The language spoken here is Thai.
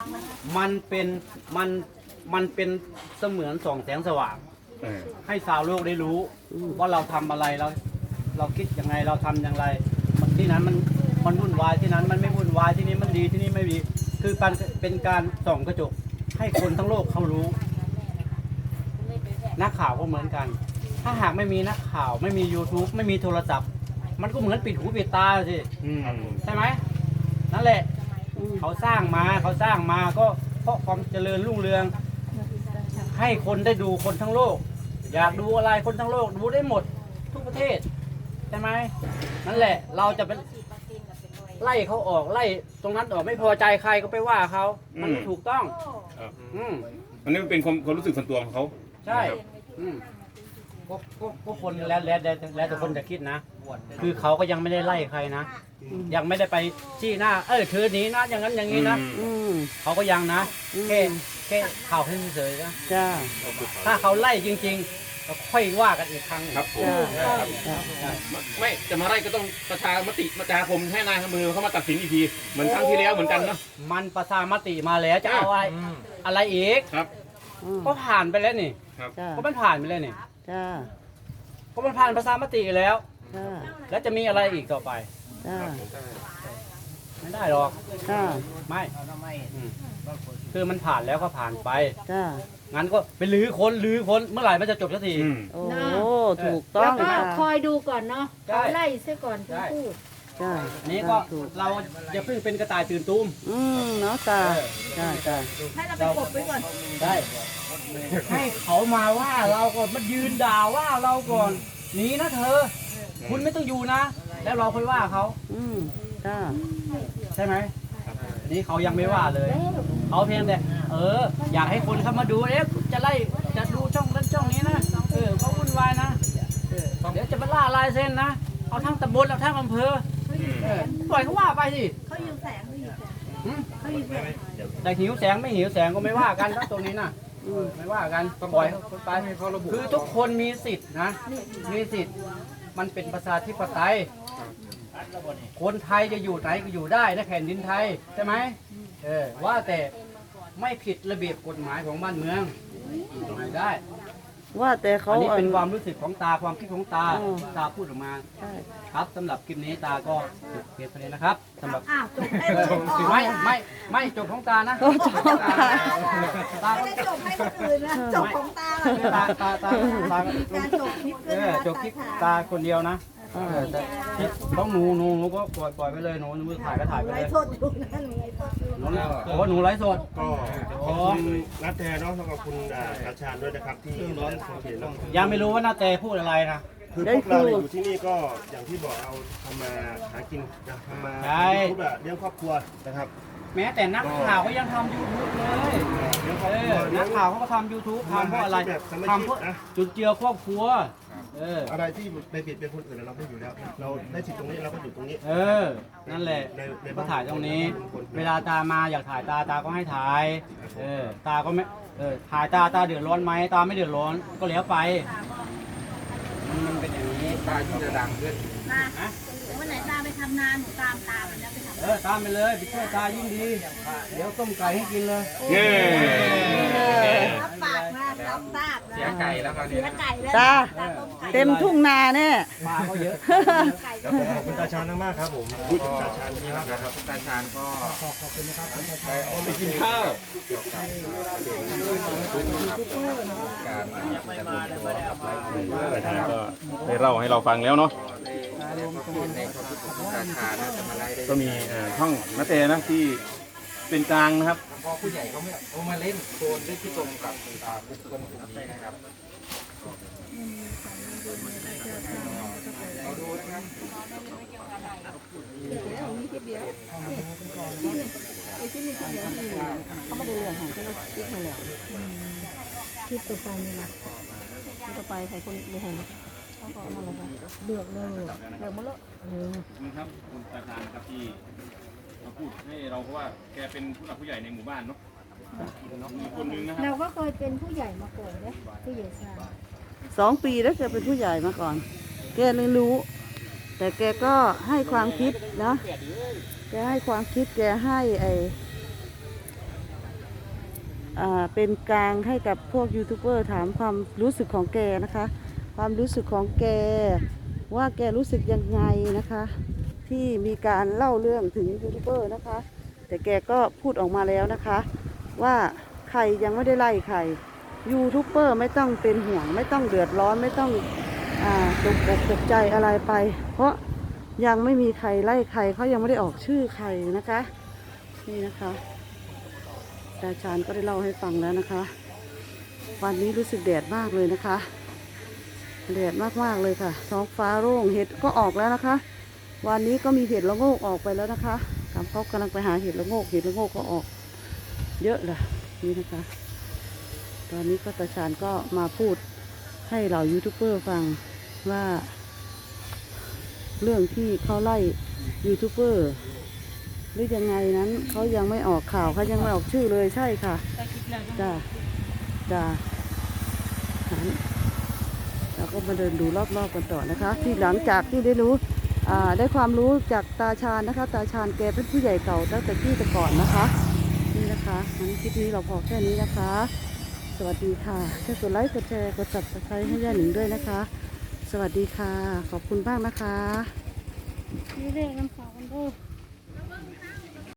มันเป็นมันมันเป็นเสมือนส่องแสงสว่างให้ชาวโลกได้รู้ว่าเราทำอะไรเราคิดยังไงเราทำอย่างไรที่นั้นมันวุ่นวายที่นั้นมันไม่วุ่นวายที่นี่มันดีที่นี่ไม่ดีคือเป็นการส่องกระจกให้คนทั้งโลกเขารู้นักข่าวก็เหมือนกันถ้าหากไม่มีนักข่าวไม่มี YouTube ไม่มีโทรศัพท์มันก็เหมือนปิดหูปิดตาสิใช่ไหมนั่นแหละเขาสร้างมาก็เพราะความเจริญรุ่งเรืองให้คนได้ดูคนทั้งโลกอยากดูอะไรคนทั้งโลกดูได้หมดทุกประเทศใช่ไหมนั่นแหละเราจะเป็นไล่เขาออกไล่ตรงนั้นออกไม่พอใจใครก็ไปว่าเขามันไม่ถูกต้องอันนี้มันเป็นความรู้สึกส่วนตัวของเขาใช่ก็คนแล้วแต่คนจะคิดนะคือเขาก็ยังไม่ได้ไล่ใครนะยังไม่ได้ไปชี้หน้าเธอหนีนะอย่างนั้นอย่างนี้นะเขาก็ยังนะแค่ข่าวเฉยๆนะถ้าเขาไล่จริงๆเราค่อยว่ากันอีกครั้งครับไม่จะมาไล่ก็ต้องประชามติประชาคมให้นายมือเขามาตัดสินอีกทีเหมือนครั้งที่แล้วเหมือนกันเนาะมันประชามติมาแล้วจะเอาอะไรอีกครับก็ผ่านไปแล้วนี่ก็มันผ่านไปแล้วนี่ก็มันผ่านประชามติแล้วแล้วจะมีอะไรอีกต่อไปไม่ได้หรอกไม่คือมันผ่านแล้วก็ผ่านไปงั้นก็ไปลื้อค้นเมื่อไหร่มันจะจบสักทีโอ้ถูกต้องแล้วก็คอยดูก่อนเนาะไล่เสียก่อนพูดนี้ก็เราอย่าเพิ่งเป็นกระต่ายตื่นตูมเนาะตาให้เราไปกบไว้ก่อนได้ให้เขามาว่าเราก่อนมันยืนด่าว่าเราก่อนหนีนะเธอคุณไม่ต้องอยู่นะแล้วเราค่อยว่าเขาใช่ไหมนี่เขายังไม่ว่าเลยเขาเพียงแต่อยากให้คนเข้ามาดูจะดูช่องนั้นช่องนี้นะเขาวุ่นวายนะเดี๋ยวจะมาล่าลายเส้นนะเอาทั้งตำบลเอาทั้งอำเภอปล่อยเขาว่าไปสิเขาหิวแสงแต่หิวแสงไม่หิวแสงก็ไม่ว่ากันครับตรงนี้นะไม่ว่ากันปล่อยเขาไปคือทุกคนมีสิทธิ์นะมีสิทธิ์มันเป็นประชาธิปไตยคนไทยจะอยู่ไหนก็อยู่ได้นะแผ่นดินไทยใช่ไหมว่าแต่ไม่ผิดระเบียบกฎหมายของบ้านเมืองไม่ได้ว่าแต่เขาอันนี้เป็นความรู้สึกของตาความคิดของตาพูดออกมาครับสำหรับคลิปนี้ตาก็จบเพียงเท่านี้นะครับสำหรับไม่จบของตานะจบของตาไม่ได้จบให้คนอื่นนะจบของตาจบคลิปตาคนเดียวนะต้องหนูก็ปล่อยไปเลยหนูมือถ่ายก็ถ่ายไปเลยไลฟ์สดอยู่นะหนูไลฟ์สดอยู่หนูไลฟ์สดก็ขอบคุณนัทแทนเนาะแล้วก็คุณอาชาญด้วยนะครับที่ร้อนสังเกตแล้วยังไม่รู้ว่านาเตพูดอะไรนะคือพวกเราอยู่ที่นี่ก็อย่างที่บอกเราทำมาหากินทำมาเลี้ยงครอบครัวนะครับแม้แต่นักข่าวก็ยังทำ YouTube เลยนักข่าวเขาก็ทำ YouTube ทำเพราะอะไรทำเพราะจุดเจือครอบครัวอะไรที่ไปเบียดเบียนคนอื่นเราไม่อยู่แล้วเราได้สิทธิ์ตรงนี้เราก็อยู่ตรงนี้นั่นแหละก็ถ่ายตรงนี้เวลาตามาอยากถ่ายตาก็ให้ถ่ายตาก็ไม่ถ่ายตาเดือดร้อนไหมตาไม่เดือดร้อนก็แล้วไปมันเป็นอย่างนี้ตาที่จะดังขึ้นวันไหนตาไปทำนานหนูตามตาไปแล้วไปทำตามไปเลยไปช่วยตายิ่งดีเดี๋ยวต้มไก่ให้กินเลยรับปากนะรับทราบเสียไก่แล้วครับเสียไก่แล้วตาเต็มทุ่งนาเนี่ยปลาเขาเยอะขอบคุณตาชาญมากครับผมตาชาญนี่นะครับตาชาญก็ขอบคุณนะครับไปกินข้าวการก็ได้เล่าให้เราฟังแล้วเนาะก็มีช่องนัทเตนะที่เป็นกลางนะครับพอผู้ใหญ่เขาไม่เอามาเล่นโซนได้ที่ตรงกับบุคคลกลุ่มนี้นะครับเราดูนะครับเขาไม่ได้เรื่องของเขาคิดมาแล้วคิดต่อไปนี่นะคิดต่อไปใครคนไม่เห็นเขาก็มาแล้วเลือกมาแล้วนี่ครับคุณตาชาญครับที่มาพูดให้เราเพราะว่าแกเป็นผู้หลักผู้ใหญ่ในหมู่บ้านเนาะมีคนนึงนะครับเราก็เคยเป็นผู้ใหญ่มาก่อนเลยผู้ใหญ่ชา 2 ปีแล้วแกเป็นผู้ใหญ่มาก่อนแกเลยรู้แต่แกก็ให้ความคิดนะแกให้ความคิดแกให้เป็นกลางให้กับพวกยูทูบเบอร์ถามความรู้สึกของแกนะคะ ความรู้สึกของแกว่าแกรู้สึกยังไงนะคะ ที่มีการเล่าเรื่องถึงยูทูบเบอร์นะคะ แต่แกก็พูดออกมาแล้วนะคะ ว่าใครยังไม่ได้ไล่ใครยูทูบเบอร์ไม่ต้องเป็นห่วงไม่ต้องเดือดร้อนไม่ต้องตกอกตกใจอะไรไป เพราะยังไม่มีใครไล่ใครเขายังไม่ได้ออกชื่อใครนะคะนี่นะคะตาชาญก็ได้เล่าให้ฟังแล้วนะคะ วันนี้รู้สึกแดดมากเลยนะคะแดดมากๆเลยค่ะท้องฟ้าโล่งเห็ดก็ออกแล้วนะคะ วันนี้ก็มีเห็ดละโงกออกไปแล้วนะคะเขากำลังไปหาเห็ดละโงกก็ออกเยอะเลยนี่นะคะ ตอนนี้ก็ตาชาญก็มาพูดให้เหล่ายูทูบเบอร์ฟังว่า เรื่องที่เขาไล่ยูทูบเบอร์หรือยังไงนั้นเขายังไม่ออกข่าวเขายังไม่ออกชื่อเลยใช่ค่ะจ้าเราก็มาเดินดูรอบๆกันต่อนะคะ ที่หลังจากที่ได้รู้ได้ความรู้จากตาชาญนะคะ ตาชาญแกเป็นผู้ใหญ่เก่าตั้งแต่ที่แต่ก่อนนะคะนี่นะคะงั้นคลิปนี้เราพอแค่นี้นะคะ สวัสดีค่ะช่วยกดไลค์กดแชร์กด Subscribe ให้ย่าหนิงด้วยนะคะ สวัสดีค่ะขอบคุณมากนะคะนี่เรียกน้ำฝากันด้วย